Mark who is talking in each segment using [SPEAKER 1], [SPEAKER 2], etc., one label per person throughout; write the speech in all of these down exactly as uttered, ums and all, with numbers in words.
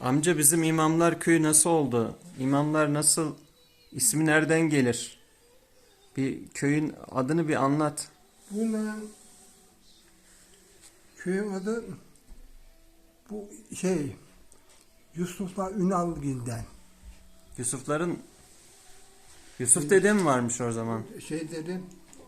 [SPEAKER 1] Amca bizim İmamlar Köyü nasıl oldu? İmamlar nasıl? İsmi nereden gelir? Bir köyün adını bir anlat.
[SPEAKER 2] Buna köyün adı bu şey Yusuf'la Ünalgil'den.
[SPEAKER 1] Yusufların Yusuf dede mi varmış o zaman?
[SPEAKER 2] Şey dedim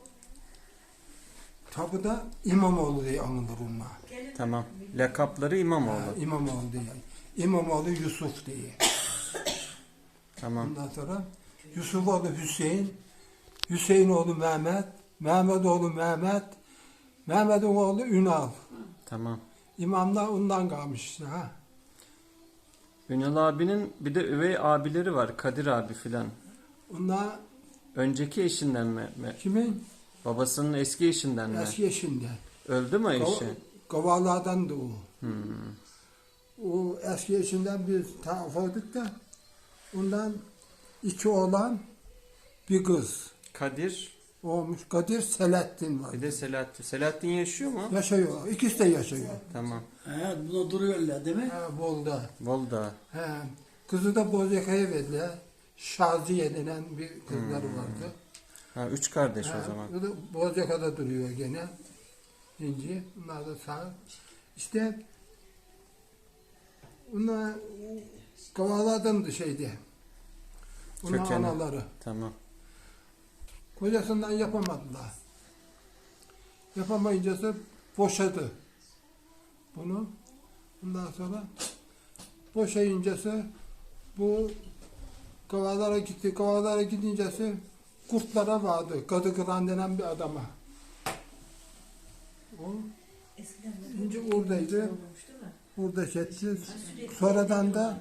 [SPEAKER 2] tabi da İmamoğlu diye anılır onlar.
[SPEAKER 1] Tamam. Lakapları İmamoğlu.
[SPEAKER 2] Ha, İmamoğlu diye. İmamoğlu Yusuf diye.
[SPEAKER 1] Tamam.
[SPEAKER 2] Ondan sonra Yusuf oğlu Hüseyin, Hüseyin oğlu Mehmet, Mehmet oğlu Mehmet, Mehmet'in oğlu Ünal.
[SPEAKER 1] Tamam.
[SPEAKER 2] İmamlar ondan kalmış işte ha.
[SPEAKER 1] Ünal abinin bir de üvey abileri var. Kadir abi filan.
[SPEAKER 2] Onlar
[SPEAKER 1] Önceki eşinden mi?
[SPEAKER 2] kimin?
[SPEAKER 1] Babasının eski eşinden mi?
[SPEAKER 2] Eski eşinden.
[SPEAKER 1] Öldü mü eşi?
[SPEAKER 2] Gavalardan da o.
[SPEAKER 1] Hmm.
[SPEAKER 2] O eski eşinden biz taraf olduk da ondan iki oğlan bir kız
[SPEAKER 1] Kadir
[SPEAKER 2] olmuş. Kadir Selahattin var.
[SPEAKER 1] bir de Selahattin. Selahattin yaşıyor mu?
[SPEAKER 2] Yaşıyor. İkisi de yaşıyor.
[SPEAKER 1] Tamam.
[SPEAKER 3] He, buna duruyorlar değil mi?
[SPEAKER 2] Ha, Bolda.
[SPEAKER 1] Volda.
[SPEAKER 2] He. Kızı da Bozcaka'ya verdiler. Şaziye denen bir kızları vardı.
[SPEAKER 1] Ha, üç kardeş
[SPEAKER 2] Ha,
[SPEAKER 1] o zaman.
[SPEAKER 2] o da Bozcaka'da duruyor gene. İnci. Bunlar da sağ. İşte bunlar Kavalardandı şeydi. Bunlar
[SPEAKER 1] Kökeni.
[SPEAKER 2] anaları.
[SPEAKER 1] Tamam.
[SPEAKER 2] Kocasından yapamadılar. Yapamayıncası boşadı bunu. Ondan sonra boşayıncası bu Kavalara gitti. Kavalara gidincesi kurtlara vardı. Kadı Kıran denen bir adama. O ince oradaydı. Burada çetti. Sonradan da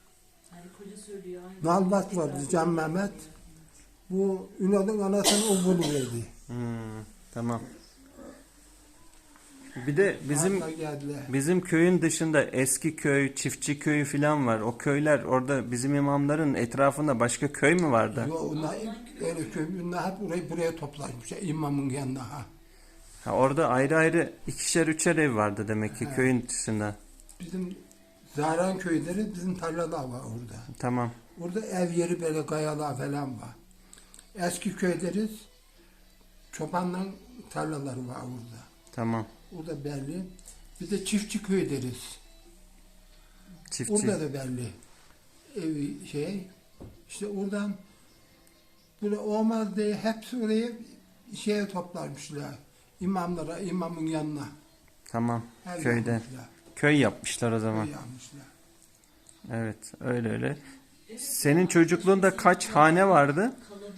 [SPEAKER 2] Nalbat vardı, Can Mehmet. Bu Ünal'ın anasını o buluverdi.
[SPEAKER 1] Hmm, tamam. Bir de bizim
[SPEAKER 2] Hatta geldiler.
[SPEAKER 1] bizim köyün dışında eski köy, çiftçi köyü filan var. O köyler orada bizim imamların etrafında başka köy mü vardı?
[SPEAKER 2] Yo, onlar öyle köy, onlar hep burayı buraya toplanmış. İmamın yanına ha.
[SPEAKER 1] Ha, orada ayrı ayrı ikişer üçer ev vardı demek ki
[SPEAKER 2] He.
[SPEAKER 1] köyün dışında.
[SPEAKER 2] Bizim Zahran köyleri bizim tarlalar var orada.
[SPEAKER 1] Tamam.
[SPEAKER 2] Orada ev yeri böyle kayalar falan var. Eski köy deriz. Çobanların tarlaları var orada.
[SPEAKER 1] Tamam.
[SPEAKER 2] Orada belli. Bir de çiftçi köy deriz.
[SPEAKER 1] Çiftçi.
[SPEAKER 2] Orada da belli. Evi şey. İşte oradan böyle olmaz diye hepsi oraya şeye toplarmışlar. İmamlara, imamın yanına.
[SPEAKER 1] Tamam.
[SPEAKER 2] Her
[SPEAKER 1] Köyde.
[SPEAKER 2] yapmışlar.
[SPEAKER 1] Köy yapmışlar o zaman.
[SPEAKER 2] Köy yapmışlar.
[SPEAKER 1] Evet, öyle öyle. Senin çocukluğunda kaç hane vardı?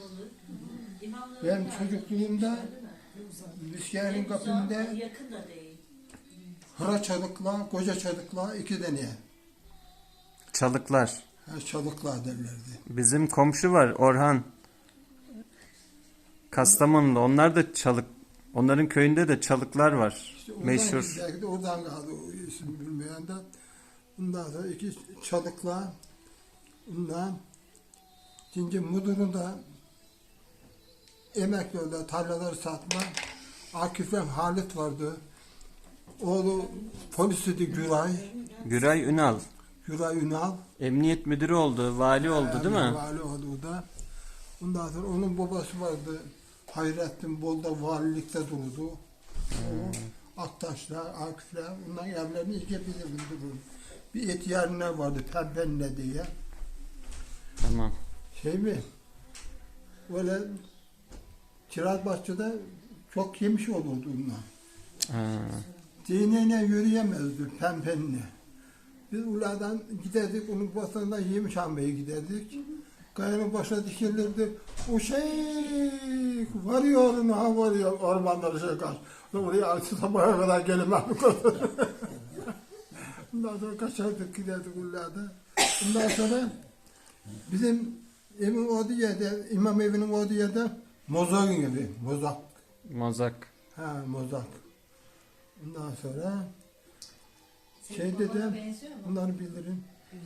[SPEAKER 2] Ben çocukluğumda Müsküdar'ın kapında
[SPEAKER 4] Yakın da değil.
[SPEAKER 2] Hıra Çalık'la, Koca Çalık'la iki tane.
[SPEAKER 1] Çalıklar.
[SPEAKER 2] Ha, Çalık'la derlerdi.
[SPEAKER 1] Bizim komşu var Orhan. Kastamonu'da. Onlar da çalık. Onların köyünde de çalıklar var.
[SPEAKER 2] İşte oradan,
[SPEAKER 1] Meşhur.
[SPEAKER 2] belki de oradan kaldı o isim bilmeyen de. Bundan sonra iki Çalık'la bundan ikinci Mudur'un da emekli oldu, tarlaları satma. Akif'le Halit vardı. Oğlu polisiydi Güray.
[SPEAKER 1] Güray Ünal.
[SPEAKER 2] Güray Ünal.
[SPEAKER 1] Emniyet müdürü oldu, vali oldu değil mi?
[SPEAKER 2] Vali oldu o da. Ondan sonra onun babası vardı. Hayrettin Bol'da valilikte durdu. O Aktaş'la, Akif'le ondan evlerini iyice bilirdim durur. Bir et yerine vardı Pembenle diye.
[SPEAKER 1] Tamam.
[SPEAKER 2] Şey mi? Böyle Kirazbahçe'de çok yemiş olurdu ondan.
[SPEAKER 1] Ha,
[SPEAKER 2] Dineyle yürüyemezdi Pembenle. Biz uladan giderdik, onun basından yemiş almaya giderdik. Kayanın başına dikilirdi. O şey varıyor onu ha varıyor ormanları şey kaç. Oraya artık sabaha kadar gelemem. Ondan sonra kaçardık giderdik uladan. Ondan sonra bizim evin olduğu yerde, imam evinin olduğu yerde Mozak'ın evi. Mozak.
[SPEAKER 1] Mozak.
[SPEAKER 2] Ha Mozak. Ondan sonra şey dedim, bunları bilirim.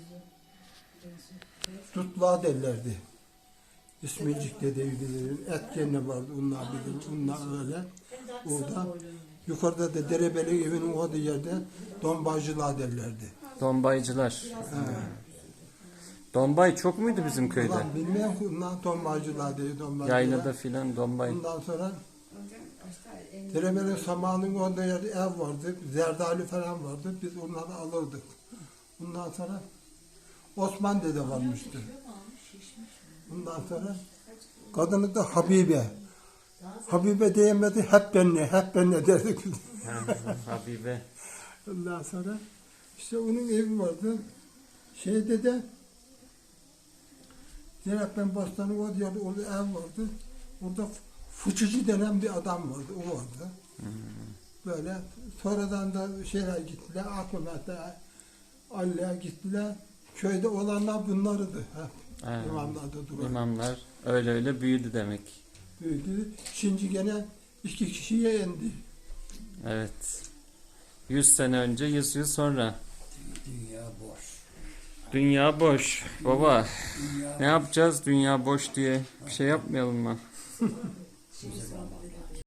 [SPEAKER 2] Tutla derlerdi. İsmicik dedeyi bilirim. Et gene vardı, onlar bilirim. Onlar öyle. Orada yukarıda da Derebeli evinin olduğu yerde Donbacılar derlerdi.
[SPEAKER 1] Dombaycılar. Dombay çok muydu bizim köyde?
[SPEAKER 2] Ulan bilmeyen bundan tombacılar diye tombacılar.
[SPEAKER 1] Yaylada filan dombay.
[SPEAKER 2] Ondan sonra Deremenin samanın onda yerde ev vardı, zerdali falan vardı. Biz onları alırdık. Ondan sonra Osman dede varmıştı. Ondan sonra kadını da Habibe. Habibe diyemedi, hep benle, hep benle derdik.
[SPEAKER 1] Habibe.
[SPEAKER 2] Ondan sonra işte onun evi vardı. Şeyde de Zeynep'ten Bostan'ın o yerde orada ev vardı. Orada fıçıcı denen bir adam vardı, o vardı.
[SPEAKER 1] Hmm.
[SPEAKER 2] Böyle sonradan da şeyler gittiler, Akımet'e, Ali'ye gittiler. Köyde olanlar bunlardı. Hep.
[SPEAKER 1] Ha,
[SPEAKER 2] İmamlar da duran.
[SPEAKER 1] İmamlar öyle öyle büyüdü demek.
[SPEAKER 2] Büyüdü. Şimdi gene iki kişiye indi.
[SPEAKER 1] Evet. Yüz sene önce, yüz yıl sonra.
[SPEAKER 3] Dünya boş.
[SPEAKER 1] Dünya boş. Baba
[SPEAKER 3] Dünya
[SPEAKER 1] ne yapacağız dünya boş diye? Bir şey yapmayalım mı?
[SPEAKER 3] size zaman.